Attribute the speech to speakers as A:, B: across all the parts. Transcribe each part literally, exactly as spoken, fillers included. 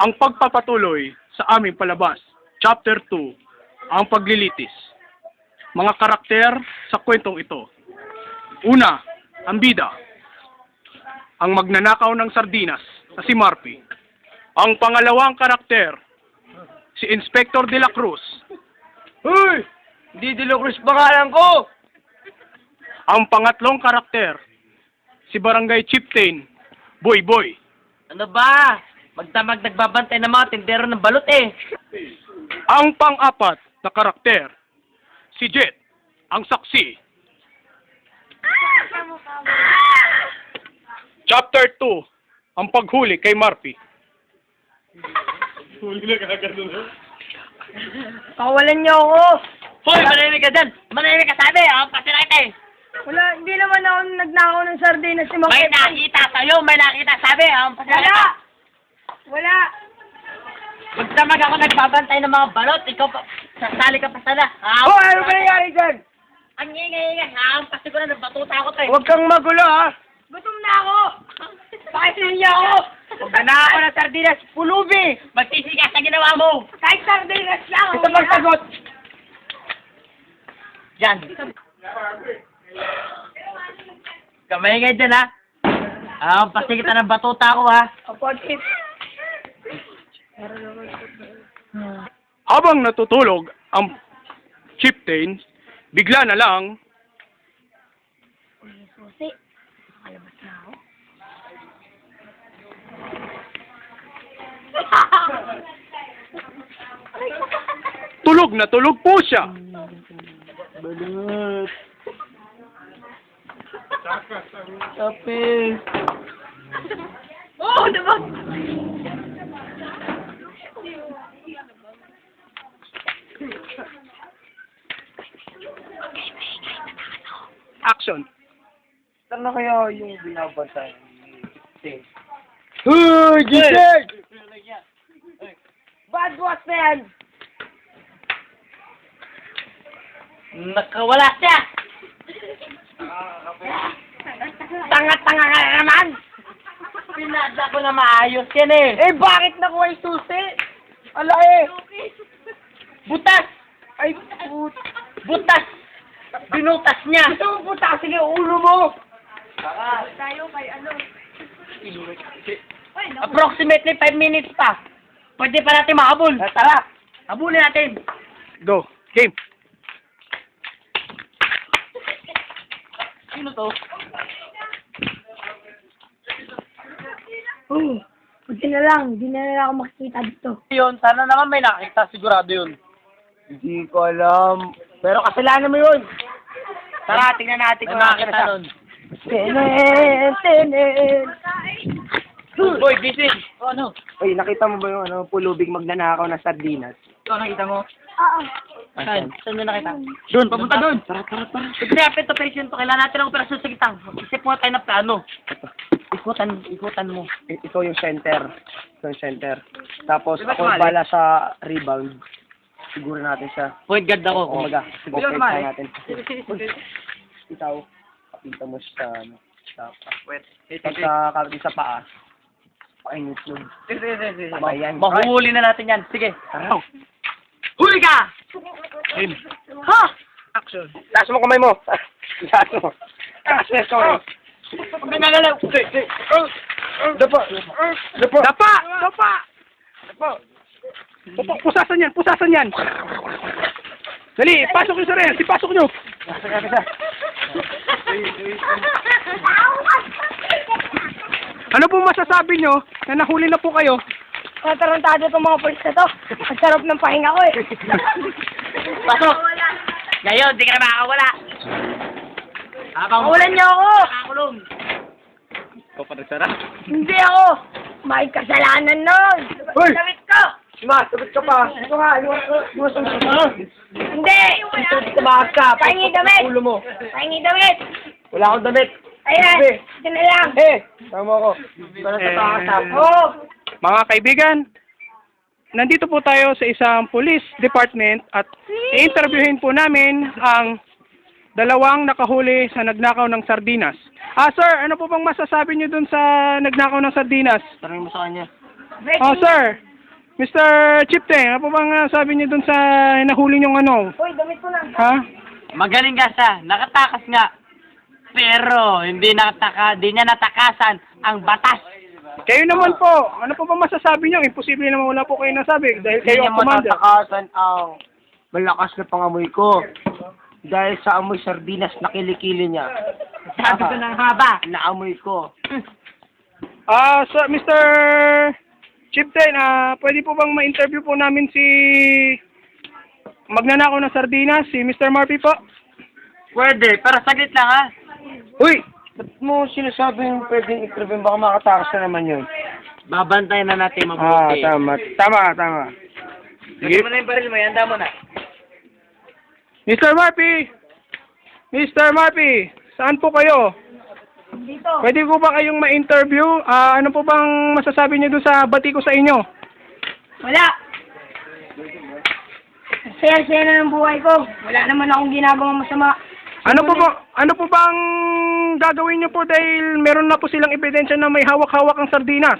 A: ang pagpapatuloy sa aming palabas. Chapter two, ang paglilitis. Mga karakter sa kwentong ito. Una, ang bida. Ang magnanakaw ng sardinas na si Marpy. Ang pangalawang karakter, si Inspector de la Cruz.
B: Hoy! Hindi De La Cruz pangalan ko!
A: Ang pangatlong karakter, si Barangay Chieftain, Boy Boy.
B: Ano ba? Magdamag nagbabantay ng mga tindero ng balot eh.
A: Ang pang-apat na karakter, si Jet, ang saksi. Chapter two, ang paghuli kay Marpy.
C: Kawalan niyo ako.
B: Hoy! Manahimik ka dyan! Manahimik ka sabi! Ako pa sila ito eh!
C: Wala, hindi naman ako nagnakaw ng sardinas si
B: May
C: Makit.
B: nakita sa'yo! May nakita sabi! Ako pa sila
C: Wala!
B: ito!
C: Wala!
B: Magdamag ako nagbabantay ng mga balot! Ikaw pa... Sasali ka pa sana!
C: Oh, ano ba nangyari dyan?
B: Ang ingay-ingay! Haampas ko na nabatuta ako to eh!
C: Huwag kang magulo, ha? Gutom na ako! Bakit niya ako? Magdanakaw ako ng sardinas, pulubi!
B: Magsisigas sa ginawa mo!
C: Kahit sardinas lang!
B: Ito magsagot! Diyan! Kamay nga dyan ha! Ah, pasti kita ng batuta ko ha!
C: Kapatid.
A: Habang natutulog ang Chieftain, bigla na lang
C: Susi, makalabas na ako.
A: tulog na tulog po siya.
B: Balut! Kapil!
C: Oh, diba?
A: Action.
B: Saan na kaya yung binabantay?
A: Hoy, gising!
C: Bad boss na yan!
B: Nakawala siya!
C: Tanga-tanga ka na naman!
B: Pinadla ko na maayos yan eh!
C: Eh, bakit nakuha yung susi? Ala eh!
B: Butas!
C: Ay, put...
B: Butas! Binutas niya!
C: Gusto mo putasin yung ulo mo! Tayo kay ano?
B: Approximately five minutes pa. Pwede pa natin mahabol. Tara! Habulin natin!
A: Go. Game.
B: Sino to?
C: Oh, buti na lang. Hindi na lang ako makikita dito.
B: Yun, sana naman may nakita. Sigurado yun. Hindi ko alam. Pero kasalanan mo yun. Tara, tingnan natin kung nakita nun.
C: Tenen, tenen.
B: Boy, busy. O ano?
D: Uy, nakita mo ba yung ano, pulubing magnanakaw ng sardinas?
B: Ikaw nakita mo?
C: Oo.
B: Saan? Saan nyo nakita?
D: Doon, papunta doon! Tara, tara, tara!
B: Pag-rapid to patient to, kailangan natin ang operasyon sa kitang. Isip mo tayo na plano. Ikutan, ikutan mo.
D: I- ikaw yung center. Ikaw yung center. Tapos
B: Di ba
D: ako
B: sumali?
D: bala sa rebound. Siguro natin siya.
B: Point guard ako.
D: Kumaga, siguro
B: Di ba
D: okay
B: sumali?
D: natin. Ikaw, kapita mo sa ano, sa
B: Wait.
D: pag sa kapit sa paa. Painit yun. Tama yan.
B: Mahuhuli na natin yan. Sige.
D: Tara.
B: Huli ka!
A: Game.
B: Ha!
A: Action.
D: Taas mo kamay mo! Taas mo! Taas mo kamay!
B: Huwag ka nalalaw.
D: Dapa! Dapa!
A: Dapa! Dapa! Dapa! Pusasan yan! Pusasan yan! Dali! Pasok nyo sa rel! Ipasok nyo! Ano po masasabi nyo na nahuli na po kayo?
C: Matarantado itong mga polis na to. Ang sarap ng pahinga ko eh.
B: Pasok! Ngayon, di ka na makakawala. Habang
C: Kawalan niyo ako!
B: Nakakulong.
A: Ikaw pa nagsara?
C: Hindi ako! May kasalanan nun!
D: Hoy!
C: Damit ko!
D: Ma, sagot ka pa! Ito nga, iwas ang susunod!
C: Hindi!
D: Ito, tumakas ka!
C: Pahingi damit!
D: Ulo mo!
C: Pahingi damit!
D: Wala akong damit!
C: Ayan!
D: Sabi.
C: Ito na lang!
D: Eh! Tama ako! Para sa
A: Eh.
D: pakasap!
C: Oo!
A: Mga kaibigan, nandito po tayo sa isang police department at i-interviewin po namin ang dalawang nakahuli sa nagnakaw ng sardinas. Ah, sir, ano po bang masasabi niyo dun sa nagnakaw ng sardinas?
D: Tanong mo sa kanya.
A: Oh, sir, Mister Chipte, ano po bang ah, sabi niyo dun sa nahuli niyong ano?
C: Uy, damit ko na.
A: Ha?
B: Magaling ka siya. Nakatakas nga. Pero, hindi nakataka, hindi niya natakasan ang batas.
A: Kayo naman po, ano po ba masasabi niyo? Imposible naman wala po kayo nasabi dahil
B: Hindi
A: kayo
B: niya
A: ang commander.
B: matatakasan ang malakas na pangamoy ko. Dahil sa amoy sardinas na kilikili niya.
C: Sabi ko ng haba.
B: Naamoy ko.
A: Ah, so Mister Chipte, ah, pwede po bang ma-interview po namin si magnanakaw ng sardinas, si Mister Murphy po?
B: Pwede, pero saglit lang ha.
A: Uy!
B: Ba't mo sinasabing pwedeng i-interview? Baka makatakas na naman yun. Babantayan na natin
A: Ah,
B: mabuti.
A: tama. Tama, tama.
B: Sige. mo na yung baril mo, handa mo na.
A: Mister Murphy! Mister Murphy! Saan po kayo?
C: Dito.
A: Pwede po ba kayong ma-interview? Ah, ano po bang masasabi niyo doon sa bati ko sa inyo?
C: Wala. Saya-saya na ng buhay ko. Wala naman akong ginagawang masama.
A: Ano po ba, ano po bang gagawin niyo po dahil meron na po silang ebidensya na may hawak-hawak ang sardinas?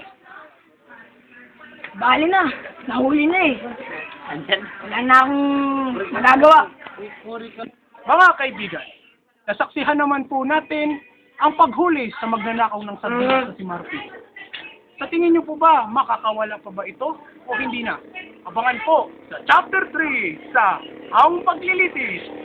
C: Bali na. Nahuli na eh.
B: Andyan.
C: Wala na akong magagawa.
A: Mga kaibigan, nasaksihan naman po natin ang paghuli sa magnanakaw ng sardinas na si Murphy. Sa tingin niyo po ba, makakawala pa ba ito o hindi na? Abangan po sa Chapter three sa Ang Paglilitis